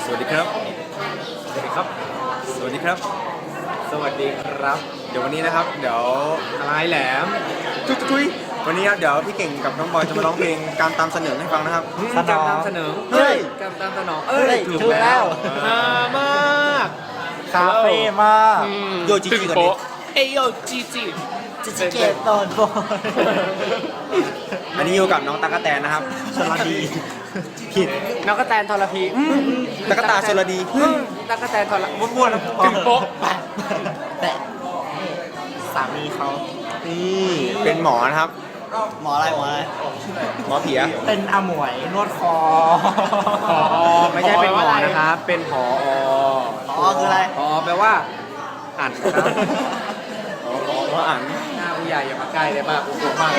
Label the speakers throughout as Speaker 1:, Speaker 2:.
Speaker 1: สวัสดีครับ สวัสดีครับ สวัสดีครับ สวัสดีครับ เดี๋ยววันนี้นะครับ เดี๋ยวอะไรแหลมทุยวันนี้ครับเดี๋ยวพี่เก่งกับน้องบอยจะมาร้องเพลงการตามเสนอให้ฟังนะครับ
Speaker 2: การตามเสนอ
Speaker 1: เฮ้ย
Speaker 2: การตามสนอง
Speaker 1: ถูกแล้ว
Speaker 2: ฮามาก
Speaker 3: คาเฟ่มาก
Speaker 1: โยจิจิก่อนดิ
Speaker 2: เอโยจีจี
Speaker 3: จิเกตตอนบอย
Speaker 1: อันนี้อยู่กับน้องตั๊กแตนนะครับ
Speaker 3: สวัสดีผิด
Speaker 2: นักกระแตนทรพี
Speaker 1: ตั๊กตาชลดี
Speaker 2: นักกระแตนทร
Speaker 1: บ้วนๆนะ
Speaker 2: ถึงโป๊ะ
Speaker 3: แต่สามีเขา
Speaker 1: นี่เป็นหมอนะครับ
Speaker 3: หมออะไรหมออะไร
Speaker 1: หมอเผีย
Speaker 3: เป็นอาหมวยนวดคอ
Speaker 2: ไม่ใช่เป็นหมอนะครับ เป็นผอ
Speaker 3: อ๋อคืออะไร
Speaker 2: ผอแปลว่าอ่านครับ
Speaker 1: หมออ่าน
Speaker 2: หน้าผู้ใหญ่อย่ามาใกล้เลยมากกลัวมากเลย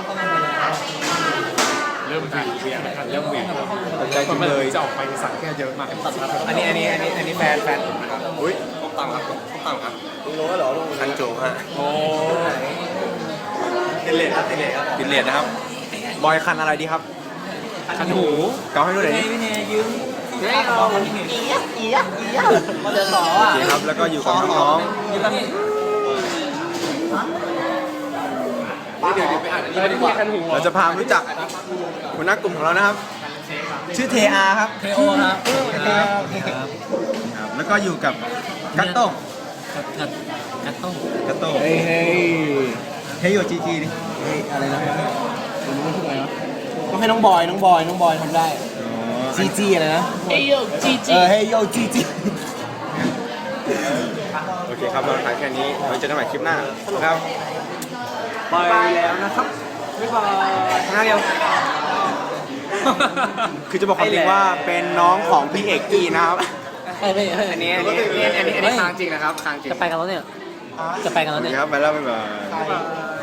Speaker 2: เริ่มเวียนนะครับเริ่มเวียน
Speaker 1: ตกใจจังเลย
Speaker 2: จะออกไปสั่งแค่เยอะมากอันนี้แฟนผมนะครับ
Speaker 1: อุ้ยต้องตังครับต้องตังครับรู้เหรอคันโจฮะ
Speaker 2: โอ้
Speaker 1: ติดเลทครับติดเลทครับติดเลทนะครับ บอยคันอะไรดีครับ
Speaker 2: ขันหู
Speaker 1: เกาให้ดูหน่อยดิ
Speaker 2: ไม่เอา
Speaker 3: มาเดินต่อ
Speaker 1: โอ
Speaker 3: อ่ะ
Speaker 1: เคครับ แล้วก็อยู่กับน้อง
Speaker 2: เดี๋ยวไปอ่านอันนี้ดีกว่าขันหู
Speaker 1: ๆเราจะพามารู้จักหัวหน้ากลุ่มของเรานะครับ ชื่อเทอาครับ
Speaker 3: เทโอครับ
Speaker 1: ครับแล้วก็อยู่กับกัตโต้ง
Speaker 3: กัดต้ม
Speaker 1: กัตโต้ง
Speaker 2: เฮ้ย
Speaker 1: เฮโยจีจีดิ
Speaker 3: อะไรนะผมไม่ถูกไงวะต้องให้น้องบอยทำได้จีจีอะไรนะ
Speaker 2: เฮ้ยจี
Speaker 3: เฮ้ยโยจีจี
Speaker 1: โอเคครับเราถ่ายแค่นี้ไว้เจอกันใหม่คลิปหน้าครับ
Speaker 2: ไปแล้วนะครับบ๊ายบายทางเดียว
Speaker 1: คือจะบอกความจริงว่าเป็นน้องของพี่เอกกี้นะครับ
Speaker 2: อันนี้ค้างจริงนะครับค้างจริง
Speaker 3: จะไปกันแล้วเนี่ย จะไปกัน
Speaker 1: โอ
Speaker 3: แล้ว
Speaker 1: เค
Speaker 3: เนี่ย
Speaker 1: ครับไปแล้วบ๊ายบาย
Speaker 2: บ๊ายบาย